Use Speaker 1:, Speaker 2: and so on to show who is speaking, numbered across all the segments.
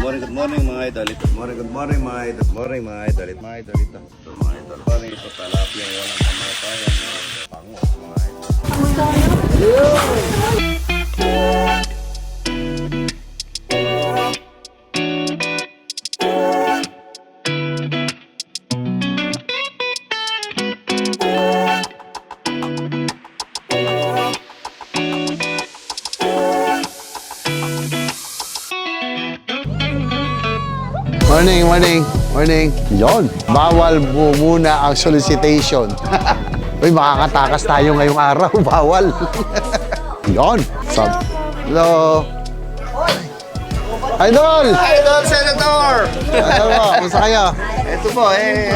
Speaker 1: Good morning mga idol. Good morning mga idol. Morning mga idol. Mga idol ito. Mga idol. Morning ito talapia walang kamatayan mga pango mga idol.
Speaker 2: Morning. Yon, bawal muna ang solicitation. Uy, makakatakas tayo ngayong araw. Bawal. Yon. Hello. Idol!
Speaker 1: Idol Senator!
Speaker 2: Idol mo, kumusta kayo?
Speaker 1: Ito po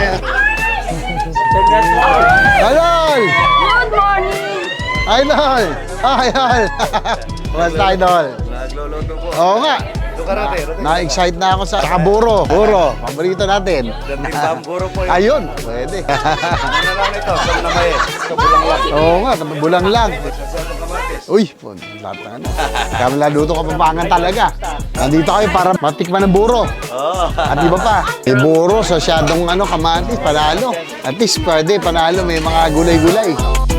Speaker 2: Idol!
Speaker 3: Good morning!
Speaker 2: Idol! Idol! Kumusta, Idol?
Speaker 1: Nagluluto po.
Speaker 2: Oo nga.
Speaker 1: Ito karate.
Speaker 2: Na-excite na ako sa buro. Paborito natin.
Speaker 1: Gantimbang guro po yun.
Speaker 2: Ayun, pwede.
Speaker 1: Ano lang ito? Saan na kayo? Kabulang lang.
Speaker 2: Oo nga, bulang lang. Uy, lahat na ano. Kaya laluto ka papangan talaga. Nandito kayo para matikman ng buro. At iba pa, may buro sa syadong kamatis, panalo. At least pwede, panalo, may mga gulay-gulay.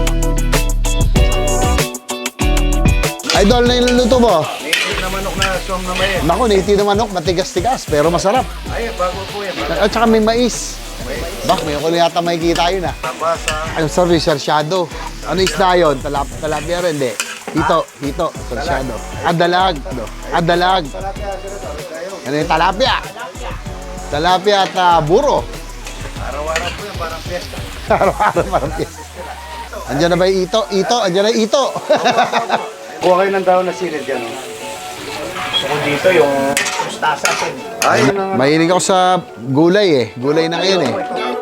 Speaker 2: Idol na yung luluto mo.
Speaker 1: Native na manok na siyang na may.
Speaker 2: Naku, native na manok, matigas-tigas, pero masarap.
Speaker 1: Ay, bago po yan.
Speaker 2: At saka may mais. Bak, may kulo yata makikita yun ah.
Speaker 1: Tabasa.
Speaker 2: Ano, sorry, sarsyado. Ano isda yun? Talapia rin, hindi. Hito, sarsyado. Adalag. Ano yung talapia? Talapia at buro.
Speaker 1: Araw-araw po yan, parang fiesta.
Speaker 2: Araw-araw parang piyesta. Andiyan na ba yung ito? Andiyan na yung ito.
Speaker 1: Kuha kayo ng daon na silid yan. Gusto ko dito yung mustasa. Ay,
Speaker 2: Mahilig ako sa gulay eh. Gulay na ngayon eh.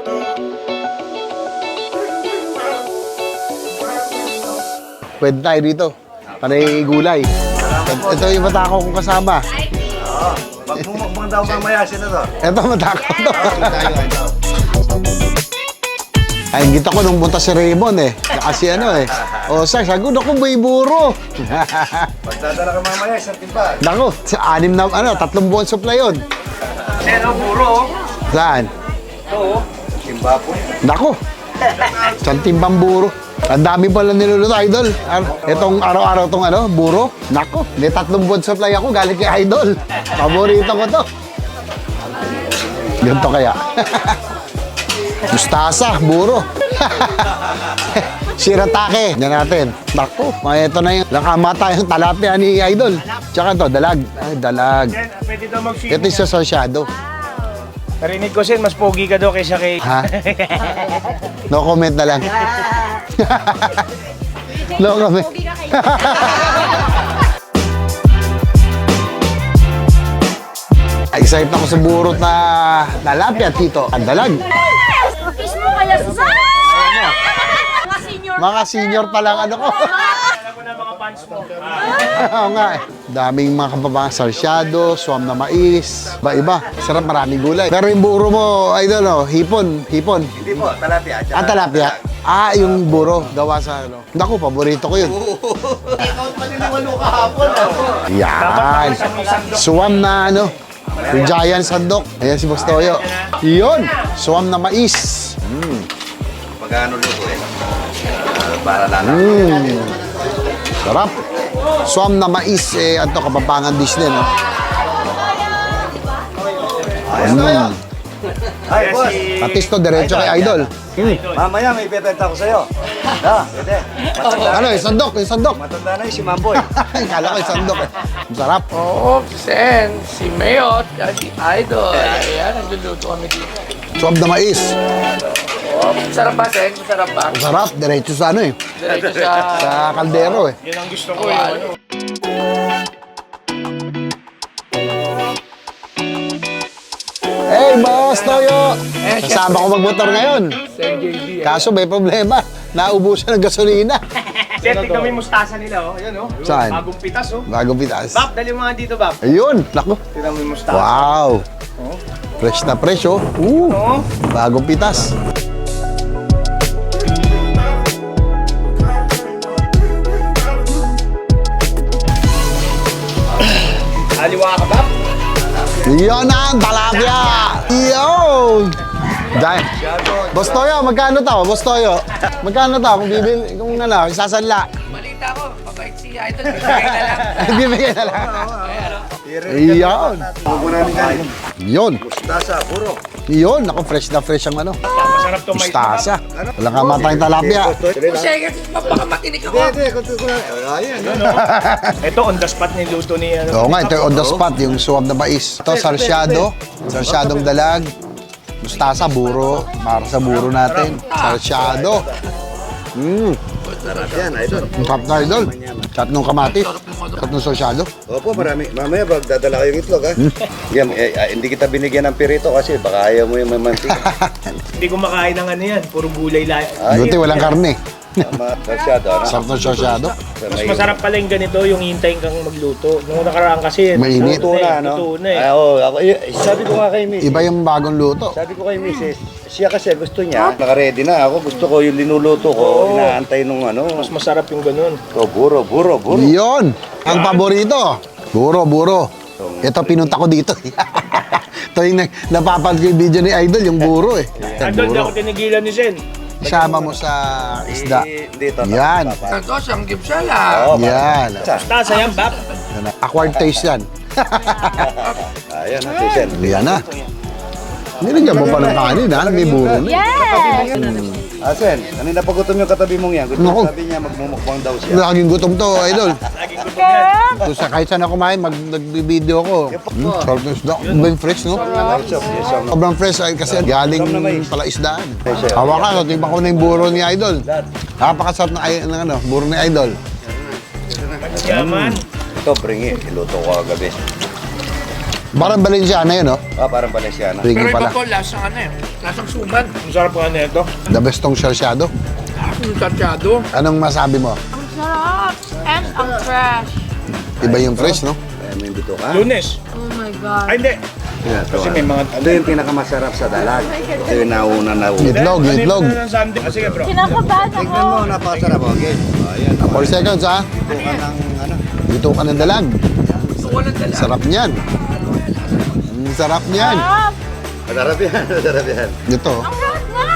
Speaker 2: Pwede tayo dito. Panay gulay. Ito yung matako kong kasama.
Speaker 1: Pag mumukbang daw mamaya, Senator.
Speaker 2: Ito matako to. Ay, kita ko nung punta si Raymond eh. Kasi O, sagot ako may buro.
Speaker 1: Pagdadala ka mamaya, isang timba.
Speaker 2: Nako, sa 3 buwan supply yun.
Speaker 1: Seno, buro.
Speaker 2: Saan?
Speaker 1: Ito, timba po.
Speaker 2: Nako, isang timbang buro. Ang dami pala niluluto, Idol. Itong araw-araw tong buro. Nako, may 3 buwan supply ako galing kay Idol. Paborito ko to. Ganito kaya. Mustasa, buro. Shiratake. Yan natin. Nako, ito na yung nakamata yung talapia ni Idol. Tsaka to, dalag. Ay, dalag.
Speaker 4: Pwede daw mag-swimming.
Speaker 2: Ito yung sasyado.
Speaker 4: Narinig ko, Sen, mas pogi ka daw kaysa kay...
Speaker 2: Ha? No comment na lang. No comment. Excited ako sa burot na talapia, Tito. Ang dalag.
Speaker 3: Kiss mo kaya sa... Mga senior.
Speaker 2: Mga senior pa lang ko.
Speaker 4: Alam mo na mga fans mo.
Speaker 2: Oo nga eh. Daming mga kapabangang sarsyado, swam na mais, iba-iba. Sarap, maraming gulay. Pero yung buro mo, Idol, hipon.
Speaker 1: Hindi po, talapia.
Speaker 2: Ah, talapia. Yung buro, gawa sa Naku, paborito ko yun.
Speaker 1: Ikaw pa niniwalo kahapon.
Speaker 2: Yan. Swam na yung giant sandok. Ayan si Boss Toyo. Yun, swam na mais.
Speaker 1: Pagano luto para lang.
Speaker 2: Sarap. Swam na mais, Kapampangan dish din.
Speaker 1: Ay, boss.
Speaker 2: Patis to, diretso kay Idol.
Speaker 1: Mamaya may ibebenta ko sa'yo. Pwede.
Speaker 2: Yung sandok.
Speaker 1: Matanda na si Mamboy.
Speaker 2: Kala ko yung sandok eh. Masarap.
Speaker 5: Oo, Sen, si Mayot, at si Idol. Ayan, nagluluto kami dito.
Speaker 2: Swam na mais.
Speaker 5: Oo, masarap ba, Sen? Masarap ba?
Speaker 2: Masarap, diretso sa
Speaker 5: Diretso sa...
Speaker 2: sa kaldero eh.
Speaker 4: Yan ang gusto ko, yung
Speaker 2: Hey, Boss Toyo! Kasama ko magmotor ngayon.
Speaker 5: Sen JB.
Speaker 2: Kaso may problema. Naubusan ng gasolina.
Speaker 4: Sen, tignan mo yung mustasa nila, Yan,
Speaker 2: Saan?
Speaker 4: Bagong pitas,
Speaker 2: Bagong pitas.
Speaker 4: Bab, dali mo nga dito, Bab.
Speaker 2: Ayun, naku.
Speaker 4: Tignan mo yung mustasa.
Speaker 2: Wow! Fresh na fresh, oh. Bagong pitas.
Speaker 4: Aliwa ka, Bab?
Speaker 2: Yun na, talapia! Yun! Dahil. Boss Toyo, magkano to? Boss Toyo, magkano to? Kung bibili, kung ano, isasanla.
Speaker 5: Balita ko, mabait si Idol. Bibigay na lang.
Speaker 2: Bibigyan na lang. Yun.
Speaker 1: Huwag mo namin kanin.
Speaker 2: Yun.
Speaker 1: Mustasa, puro.
Speaker 2: Yun. Ako, fresh na fresh ang ano.
Speaker 4: Masarap to may
Speaker 2: Mustasa. Walang kamatayang talapia.
Speaker 5: Sige, mapakapatinig ako.
Speaker 4: Ito, on the spot niluto ni ano.
Speaker 2: Oo nga, ito yung on the spot, yung suwab na mais. Ito, sarsyado. Sarsyadong dalag. Mustasa, buro. Para sa buro natin. Sarsyado.
Speaker 1: Sarap yan, idol.
Speaker 2: Ang sarap na, idol. Sarap nung kamatis. Sarap nung sarsyado.
Speaker 1: Opo, marami. Mamaya, magdadala kayong itlog, ha? Yan, hindi kita binigyan ng pirito kasi baka ayaw mo yung mamantika.
Speaker 4: Hindi ko makain ng ano yan. Puro gulay lang.
Speaker 2: Buti walang karne.
Speaker 1: Sarsyado, ano?
Speaker 2: Sarap ng sarsyado.
Speaker 4: Mas masarap pala yung ganito, yung hintayin kang magluto. Nung nakaraan kasi,
Speaker 2: Mainit.
Speaker 1: Luto na, no?
Speaker 4: Luto na eh.
Speaker 1: Oo, ako, sabi ko nga kay Miss.
Speaker 2: Iba yung bagong luto.
Speaker 1: Sabi ko kay Mrs. Siya kasi gusto niya, naka-ready na ako. Gusto ko yung linuluto ko, inaantay nung ano.
Speaker 4: Mas masarap yung ganun.
Speaker 1: Oh, buro.
Speaker 2: Yun! Ang paborito. Buro. Ito, pinunta ko dito. Ito yung napapanood ko yung video ni Idol, yung buro eh.
Speaker 4: Idol, di ako tinigilan ni Sen.
Speaker 2: Isama mo sa isda.
Speaker 1: Dito.
Speaker 2: Yan.
Speaker 5: Ito, sanggip siya lang.
Speaker 2: Yan.
Speaker 4: Tasa yan, Bap.
Speaker 2: Acquired taste yan.
Speaker 1: Ayan, Sen.
Speaker 2: Yan na. Nilagyan mo pa ng kanin ha, may buro na.
Speaker 3: Yes!
Speaker 1: Sen, kanina pagutom yung katabi mong yan. Gusto
Speaker 2: Naku.
Speaker 1: sabi niya magmumukbang daw siya.
Speaker 2: Laging gutom to, Idol.
Speaker 4: Laging gutom yan.
Speaker 2: So, kahit saan ako kumain, nagbibideo ko. Sarap ng isda. Ang fresh, no? Sobrang fresh kasi galing pala isdaan. Hawakan, tiba ko na yung buro ni Idol. Napakasarap ng ano, buro ni Idol.
Speaker 4: Yaman.
Speaker 1: Ito, bringi. Iluto ko kagabi.
Speaker 2: Parang Valenciana yun, no?
Speaker 1: Parang Valenciana.
Speaker 2: Ringi
Speaker 5: Pero iba
Speaker 2: pala.
Speaker 5: po, lasang ano eh. Lasang suman.
Speaker 4: Ang sarap nga nito.
Speaker 2: The best tong sarsyado.
Speaker 5: Yung tatyado.
Speaker 2: Anong masabi mo?
Speaker 3: Ang sarap! And ang fresh.
Speaker 2: Iba yung fresh, no?
Speaker 1: May bito ka?
Speaker 4: Lunes.
Speaker 3: Oh my God.
Speaker 4: Ay, hindi. Kasi may mga...
Speaker 1: Ito yung pinakamasarap sa dalag. Ito yung nauna.
Speaker 2: Itlog.
Speaker 4: Ano yung ng Sunday? Ah, sige bro.
Speaker 3: Kinakabahan ako.
Speaker 1: Tignan mo, napakasarap. Okay. Ayan.
Speaker 2: 4 seconds, ha?
Speaker 1: Ito ka ng ano.
Speaker 2: Dito ka ng dalag.
Speaker 5: Gusto ko lang dala.
Speaker 2: Sarap niyan. Sarap niyan.
Speaker 3: Sarap!
Speaker 1: Masarap yan. Masarap yan.
Speaker 2: Ito.
Speaker 3: Ang sarap nga!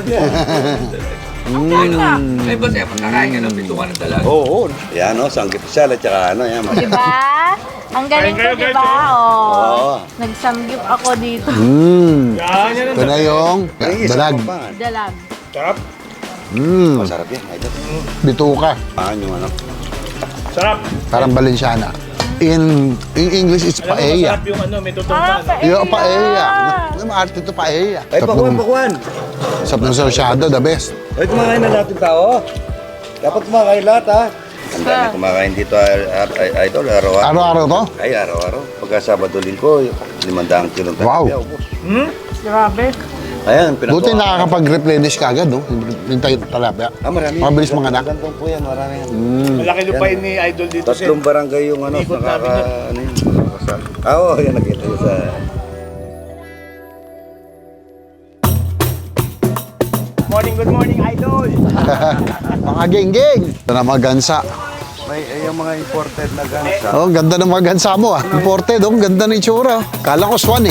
Speaker 5: Ay, ba sa'yo pagkakain ka ng bituan ng dalaga?
Speaker 1: Oo. Yan o, sanggip siya. At saka ano, yan.
Speaker 3: Diba? Ang galing ko,
Speaker 4: Kain kayo,
Speaker 3: diba?
Speaker 4: guys,
Speaker 3: Oh. Nagsamgyup ako dito.
Speaker 4: Yan, yan.
Speaker 2: Ito na yung dalag.
Speaker 3: Dalag.
Speaker 4: Sarap.
Speaker 1: Masarap yan. Idol.
Speaker 2: Bituka.
Speaker 1: Paano yung ano?
Speaker 4: Sarap.
Speaker 2: Parang Valenciana. In English, it's
Speaker 4: Alam mo,
Speaker 2: paella.
Speaker 4: masarap yung ano, may
Speaker 3: Parang
Speaker 4: tutumban.
Speaker 2: Yung paella. Maarte ito paella.
Speaker 1: Ay, pakuan.
Speaker 2: Sarap ng sarsyado, the best.
Speaker 1: Ay, kumakain na lahat yung tao. Dapat kumakain lahat, ha? Ang dami kumakain dito, Idol, araw-araw.
Speaker 2: Araw-araw to?
Speaker 1: Ay, araw-araw. Pagka Sabado Linggo, 500 kilong
Speaker 2: Wow.
Speaker 1: talapia, ubos.
Speaker 3: Grabe.
Speaker 1: Ayan, pinagawa.
Speaker 2: Buti nakakapag-replenish ka agad, no? Yung tayo talapia.
Speaker 1: Marami.
Speaker 2: Mabilis mga anak.
Speaker 1: Gandong po yan, marami yan.
Speaker 4: Malaki lupain ni Idol dito, Sen.
Speaker 1: Tatlong barangay yung ano,
Speaker 4: Ikot namin yan.
Speaker 1: ano yun, nakakasal. Oo, yan, nakita yun sa...
Speaker 4: Good morning, Idol.
Speaker 2: Mga geng-geng. Ito na mga gansa.
Speaker 1: May yung mga imported na gansa.
Speaker 2: Oh, ang ganda ng mga gansa mo, ah. Imported, oh. Ang ganda ng itsura. Kala ko swan, eh.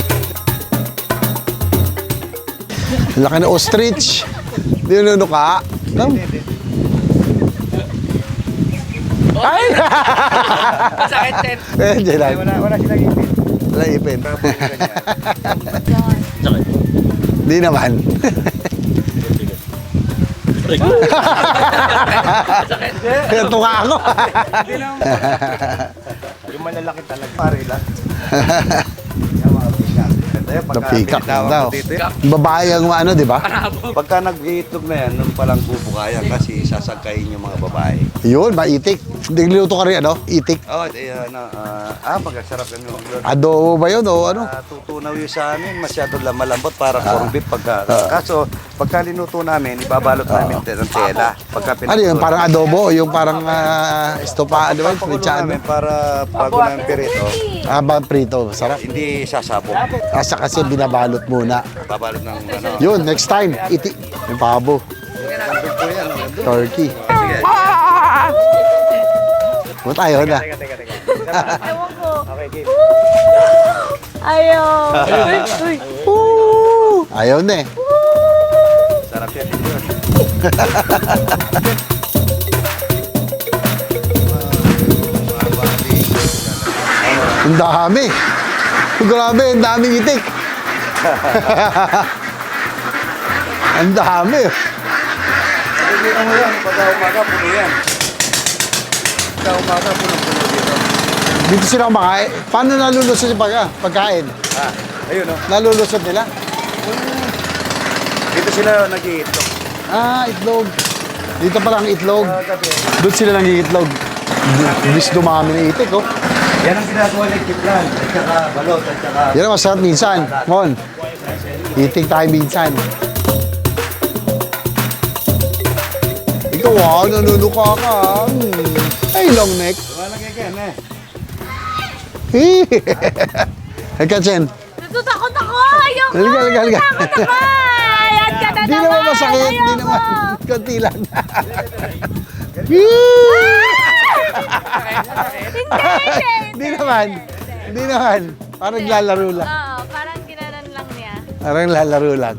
Speaker 2: Ang laki na ostrich. Di yun ka. Ay!
Speaker 5: Sakit, Ted.
Speaker 2: Diyan lang.
Speaker 1: Wala silang ipin.
Speaker 2: Wala ipin. Di naman. Ito nga ako.
Speaker 4: Yung malalaki talaga.
Speaker 1: Pare lang. Yung mga pikak.
Speaker 2: Napikak na
Speaker 1: tinatawag
Speaker 2: daw.
Speaker 1: ko dito,
Speaker 2: Babae ang ano, di ba?
Speaker 1: Pagka nag-iitlog na yan, nung palang bubukayan kasi sasagkayin yung mga babae.
Speaker 2: Yun, maitik. Niluto ka rin, ano? Itik.
Speaker 1: Oh, magkasarap yan yung
Speaker 2: Adobo ba yun o ano?
Speaker 1: tutunaw yun sa amin, masyado lang malambot para corned beef kaso pagka linuto namin, ibabalot namin ng tela. Pagka
Speaker 2: Ano yun, parang adobo o yung parang estopado, di ba?
Speaker 1: pakulo
Speaker 2: Frichado.
Speaker 1: namin para bago namin pirito,
Speaker 2: Ba, prito. Sarap.
Speaker 1: hindi sasabog.
Speaker 2: Asa kasi binabalot muna.
Speaker 1: Babalot ng ano.
Speaker 2: Yun, next time, yung pabo.
Speaker 1: Nandun po yan. Nandun.
Speaker 2: Turkey.
Speaker 1: Sige.
Speaker 2: Punta tayo na.
Speaker 4: Teka.
Speaker 3: Ewan ko.
Speaker 4: Okay, game.
Speaker 3: Ayaw. Uy, uy.
Speaker 2: Ayaw na eh.
Speaker 1: Sarap yan yun. Mga bati.
Speaker 2: Ang dami. Grabe, ang daming itik. Ang dami.
Speaker 1: Pagkakita mo yan, pagka umaga, puno yan. Pagka umaga, puno-puno dito.
Speaker 2: Dito sila kumakain. Paano nalulusot yung pagkain?
Speaker 1: Ayun o.
Speaker 2: Nalulusot nila?
Speaker 1: Dito sila nag-iitlog.
Speaker 2: Itlog. Dito pa lang itlog.
Speaker 1: Gabi.
Speaker 2: Doon sila nang-iitlog. Bis dumami na itik, oh.
Speaker 1: Yan ang ginagawa ng kiplan. At saka balot. At saka...
Speaker 2: Yan ang masarap minsan. Mon, itik tayo minsan. Ikaw, nanunuka ka. Ay, long neck.
Speaker 1: Wala kaya eh.
Speaker 2: Halika, Chen.
Speaker 3: Natatakot ako. Ayoko.
Speaker 2: Halika, halika, halika.
Speaker 3: Natatakot ako. Ayan ka na
Speaker 2: Di
Speaker 3: naman.
Speaker 2: naman masakit. Di
Speaker 3: Ayoko.
Speaker 2: naman. Konti lang. Di naman. Di naman. Parang lalaro lang.
Speaker 3: Oo, parang ginanan lang niya.
Speaker 2: Parang lalaro lang.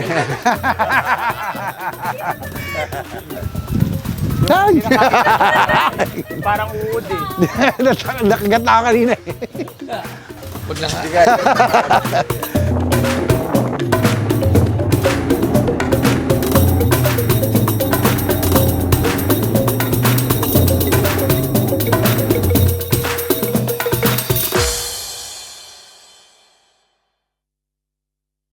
Speaker 2: Ay!
Speaker 4: Parang uod eh.
Speaker 2: Nakagat na ako kanina eh.
Speaker 5: Huwag na nga.